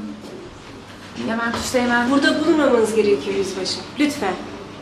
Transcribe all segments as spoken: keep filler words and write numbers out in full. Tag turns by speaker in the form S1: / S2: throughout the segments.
S1: Levent Üsteğmen...
S2: Burada bulunmamanız gerekiyor yüzbaşı. Lütfen.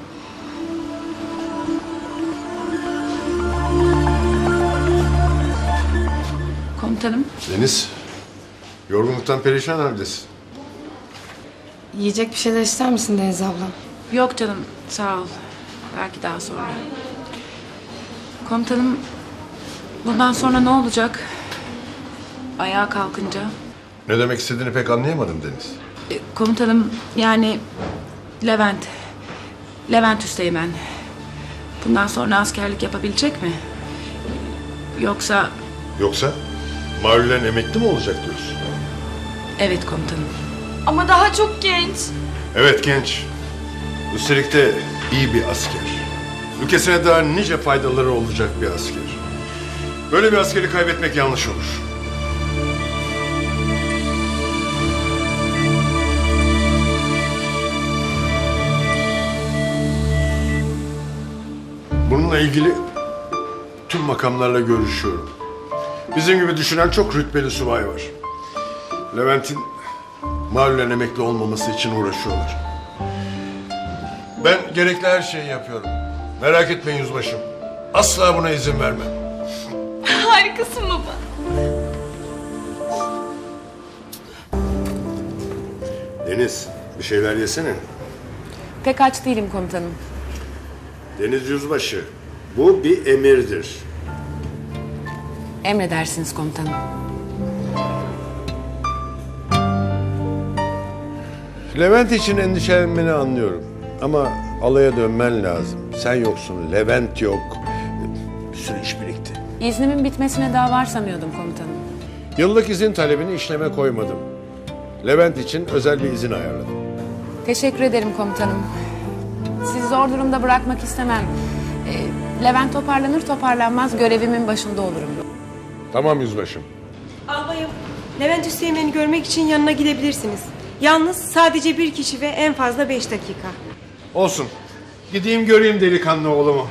S1: Komutanım,
S3: Deniz, yorgunluktan perişan haldesin.
S4: Yiyecek bir şeyler ister misin Deniz abla?
S1: yok canım, sağ ol. Belki daha sonra. Komutanım, bundan sonra ne olacak? Ayağa kalkınca.
S3: Ne demek istediğini pek anlayamadım Deniz.
S1: E, Komutanım, yani Levent, Levent Üsteğmen bundan sonra askerlik yapabilecek mi? Yoksa...
S3: Yoksa mahallen emekli mi olacak diyorsun?
S1: Evet komutanım.
S4: Ama daha çok genç.
S3: Evet genç. Üstelik de iyi bir asker. Ülkesine daha nice faydaları olacak bir asker. Böyle bir askeri kaybetmek yanlış olur. Bununla ilgili tüm makamlarla görüşüyorum. Bizim gibi düşünen çok rütbeli subay var. Levent'in mahallen emekli olmaması için uğraşıyorlar. Ben gerekli her şeyi yapıyorum. Merak etmeyin yüzbaşım. Asla buna izin vermem.
S4: Harikasın baba.
S3: Deniz, bir şeyler yesene.
S1: Pek aç değilim komutanım.
S3: Deniz yüzbaşı, bu bir emirdir.
S1: Emredersiniz komutanım.
S3: Levent için endişelenmeni anlıyorum. Ama alaya dönmen lazım. Sen yoksun, Levent yok. Bir sürü iş birikti.
S1: İznimin bitmesine daha var sanıyordum komutanım.
S3: Yıllık izin talebini işleme koymadım. Levent için özel bir izin ayarladım.
S1: Teşekkür ederim komutanım. Sizi zor durumda bırakmak istemem. Ee, Levent toparlanır toparlanmaz görevimin başında olurum.
S3: Tamam yüzbaşım.
S2: Albayım, Levent Üsteğmen'i görmek için yanına gidebilirsiniz. Yalnız sadece bir kişi ve en fazla beş dakika.
S3: Olsun. Gideyim göreyim delikanlı oğlumu.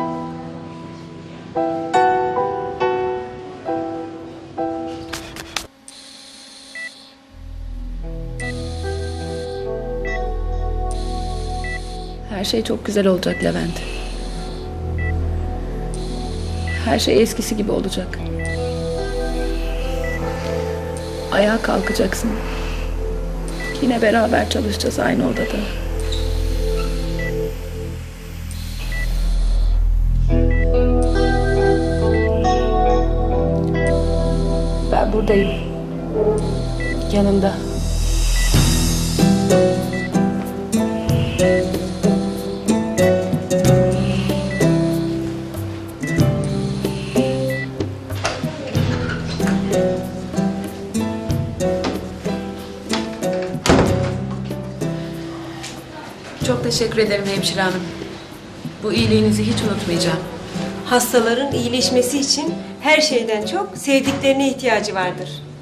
S1: Her şey çok güzel olacak Levent. Her şey eskisi gibi olacak. Ayağa kalkacaksın. Yine beraber çalışacağız aynı odada. Ben buradayım. Yanında. Çok teşekkür ederim hemşire hanım. Bu iyiliğinizi hiç unutmayacağım.
S2: Hastaların iyileşmesi için her şeyden çok sevdiklerine ihtiyacı vardır.